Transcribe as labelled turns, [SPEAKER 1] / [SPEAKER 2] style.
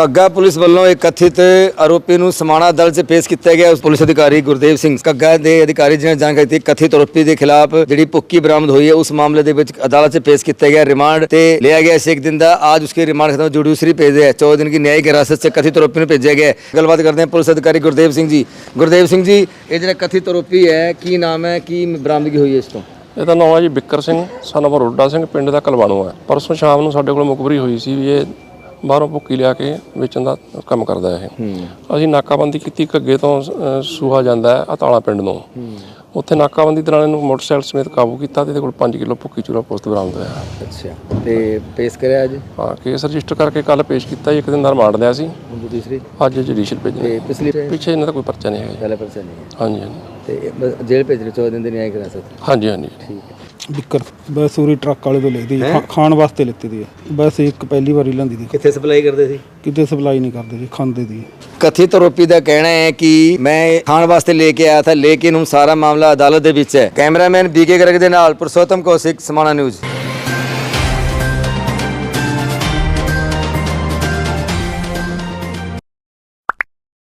[SPEAKER 1] ਘੱਗਾ police ਵੱਲੋਂ ਇੱਕ ਕਥਿਤ ਆਰੋਪੀ ਨੂੰ ਸਮਾਣਾ ਅਦਾਲਤ 'ਚ ਪੇਸ਼ ਕੀਤਾ ਗਿਆ। ਉਸ ਪੁਲਿਸ ਅਧਿਕਾਰੀ ਗੁਰਦੇਵ ਸਿੰਘ ਘੱਗਾ ਦੇ ਅਧਿਕਾਰੀ ਜਿਹਨੇ ਜਾਣਕਾਰੀ ਦਿੱਤੀ ਕਥਿਤ ਆਰੋਪੀ ਦੇ ਖਿਲਾਫ ਜਿਹੜੀ ਭੁੱਕੀ ਬਰਾਮਦ ਹੋਈ है उस मामले ਦੇ ਵਿੱਚ अदालत 'ਚ पेश किया गया। रिमांड ਤੇ लिया गया 1 दिन ਦਾ। आज उसकी रिमांड खत्म जुडिशरी भेज दिया। 14 दिन की न्यायिक हिरासत से कथित आरोपी ਨੂੰ ਭੇਜਿਆ ਗਿਆ। ਗੱਲਬਾਤ ਕਰਦੇ हैं पुलिस अधिकारी गुरदेव सिंह जी। गुरदेव सिंह जी, ਇਹ ਜਿਹੜਾ ਕਥਿਤ ਆਰੋਪੀ ਹੈ ਕੀ ਨਾਮ ਹੈ, ਕੀ ਬਰਾਮਦਗੀ ਹੋਈ ਹੈ ਇਸ ਤੋਂ?
[SPEAKER 2] ਇਹਦਾ ਨਾਮ ਹੈ ਜੀ ਬਿੱਕਰ ਸਿੰਘ ਸਨ ਆਫ ਰੋਡਾ ਸਿੰਘ, ਪਿੰਡ ਦਾ ਕਲਵਾਣੋ ਹੈ। ਪਰਸੋਂ ਸ਼ਾਮ ਨੂੰ ਸਾਡੇ ਕੋਲ ਮੁਖਬਰੀ ਹੋਈ ਸੀ ਵੀ ਇਹ ਬਾਹਰੋਂ ਭੁੱਕੀ ਲਿਆ ਕੇ ਵੇਚਣ ਦਾ ਕੰਮ ਕਰਦਾ ਇਹ। ਅਸੀਂ ਨਾਕਾਬੰਦੀ ਕੀਤੀ। ਘੱਗੇ ਤੋਂ ਸੂਹਾ ਜਾਂਦਾ ਹੈ ਅਤਾਲਾ ਪਿੰਡ ਨੂੰ। ਉੱਥੇ ਨਾਕਾਬੰਦੀ ਦੌਰਾਨ ਇਹਨੂੰ ਮੋਟਰਸਾਈਕਲ ਸਮੇਤ ਕਾਬੂ ਕੀਤਾ ਤੇ ਇਹਦੇ ਕੋਲ 5 ਕਿਲੋ ਭੁੱਕੀ ਚੂਰਾ ਪੁਸਤ ਬਰਾਮਦ ਹੋਇਆ।
[SPEAKER 1] ਅੱਛਾ, ਤੇ ਪੇਸ਼ ਕਰਿਆ ਅੱਜ?
[SPEAKER 2] ਹਾਂ, ਕੇਸ ਰਜਿਸਟਰ ਕਰਕੇ ਕੱਲ ਪੇਸ਼ ਕੀਤਾ। 1 ਦਿਨ ਦਾ ਰਿਮਾਂਡ ਲਿਆ ਸੀ।
[SPEAKER 1] ਦੂਸਰੀ
[SPEAKER 2] ਅੱਜ ਜੁਡੀਸ਼ੀਅਲ ਭੇਜਿਆ। ਪਿੱਛੇ ਇਹਨਾਂ ਦਾ ਕੋਈ ਪਰਚਾ ਨਹੀਂ ਹੈਗਾ।
[SPEAKER 1] ਪਹਿਲਾ ਪਰਚਾ ਨਹੀਂ ਹੈ।
[SPEAKER 2] ਹਾਂਜੀ ਹਾਂਜੀ।
[SPEAKER 1] ਤੇ ਜੇਲ੍ਹ ਭੇਜ ਰਹੇ 14 ਦਿਨ ਦੀ ਨਿਆਇਕ ਹਿਰਾਸਤ।
[SPEAKER 2] ਹਾਂਜੀ ਹਾਂਜੀ
[SPEAKER 1] ਠੀਕ ਹੈ।
[SPEAKER 3] ਬਿੱਕਰ ਬਸ ਉਰੀ ਟਰੱਕ ਵਾਲੇ ਤੋਂ ਲੈਦੀ ਖਾਣ ਵਾਸਤੇ ਲੈਤੀ ਦੀ ਹੈ। ਬਸ ਇੱਕ ਪਹਿਲੀ ਵਾਰੀ ਲੈਂਦੀ ਦੀ।
[SPEAKER 1] ਕਿੱਥੇ ਸਪਲਾਈ ਕਰਦੇ ਸੀ?
[SPEAKER 3] ਕਿਤੇ ਸਪਲਾਈ ਨਹੀਂ ਕਰਦੇ ਜੀ, ਖਾਂਦੇ ਦੀ।
[SPEAKER 1] कथित आरोपी का कहना है कि मैं खाने वास्ते लेके आया था, लेकिन हम सारा मामला अदालत दे विच है। कैमरामैन बीके गर्ग दे नाल पुरुषोत्तम कौशिक, समाना न्यूज़।